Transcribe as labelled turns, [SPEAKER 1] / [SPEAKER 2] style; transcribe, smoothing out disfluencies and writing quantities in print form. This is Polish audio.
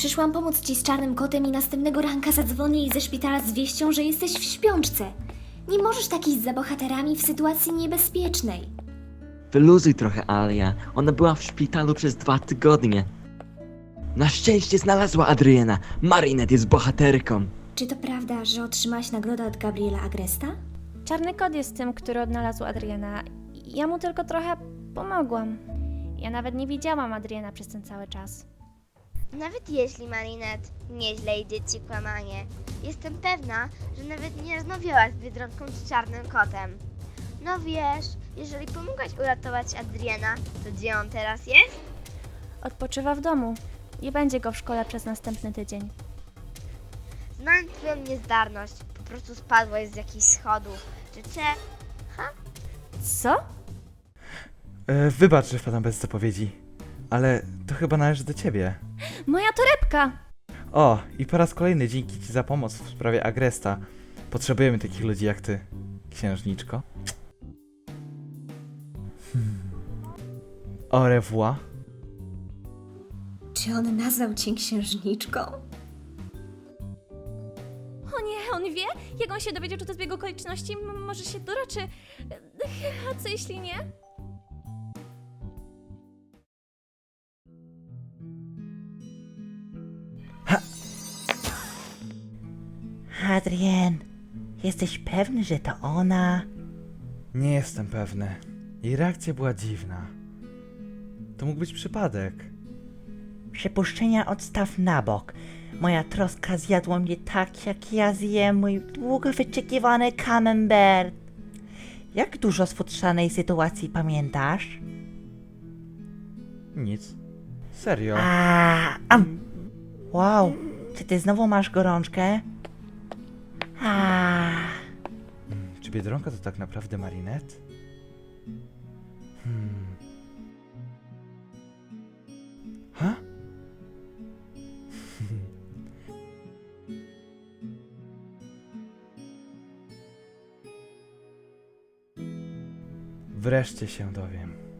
[SPEAKER 1] Przyszłam pomóc ci z czarnym kotem i następnego ranka zadzwonię jej ze szpitala z wieścią, że jesteś w śpiączce. Nie możesz tak iść za bohaterami w sytuacji niebezpiecznej.
[SPEAKER 2] Wyluzuj trochę, Alia. Ona była w szpitalu przez 2 tygodnie. Na szczęście znalazła Adriana. Marinette jest bohaterką.
[SPEAKER 1] Czy to prawda, że otrzymałaś nagrodę od Gabriela Agresta?
[SPEAKER 3] Czarny kot jest tym, który odnalazł Adriana. Ja mu tylko trochę pomogłam. Ja nawet nie widziałam Adriana przez ten cały czas.
[SPEAKER 4] Nawet jeśli, Marinette, nieźle idzie ci kłamanie, jestem pewna, że nawet nie rozmawiałaś z Biedronką czy Czarnym Kotem. No wiesz, jeżeli pomogłaś uratować Adriana, to gdzie on teraz jest?
[SPEAKER 3] Odpoczywa w domu. Nie będzie go w szkole przez następny tydzień.
[SPEAKER 4] Znam twoją niezdarność, po prostu spadłaś z jakichś schodów. Czy
[SPEAKER 3] Co?
[SPEAKER 5] Wybacz, że wpadam bez zapowiedzi, ale to chyba należy do ciebie.
[SPEAKER 3] Moja torebka!
[SPEAKER 5] O, i po raz kolejny dzięki ci za pomoc w sprawie Agresta. Potrzebujemy takich ludzi jak ty, księżniczko. Au revoir.
[SPEAKER 1] Czy on nazwał cię księżniczką?
[SPEAKER 3] O nie, on wie? Jak on się dowiedział, czy to zbieg okoliczności? Może się doroczy. A co jeśli nie?
[SPEAKER 6] Adrien, jesteś pewny, że to ona?
[SPEAKER 5] Nie jestem pewny. Jej reakcja była dziwna. To mógł być przypadek.
[SPEAKER 6] Przypuszczenia odstaw na bok. Moja troska zjadła mnie tak, jak ja zjem mój długo wyczekiwany camembert. Jak dużo z futrzanej sytuacji pamiętasz?
[SPEAKER 5] Nic. Serio.
[SPEAKER 6] Wow, czy ty znowu masz gorączkę?
[SPEAKER 5] Czy Biedronka to tak naprawdę Marinette? Ha? Wreszcie się dowiem.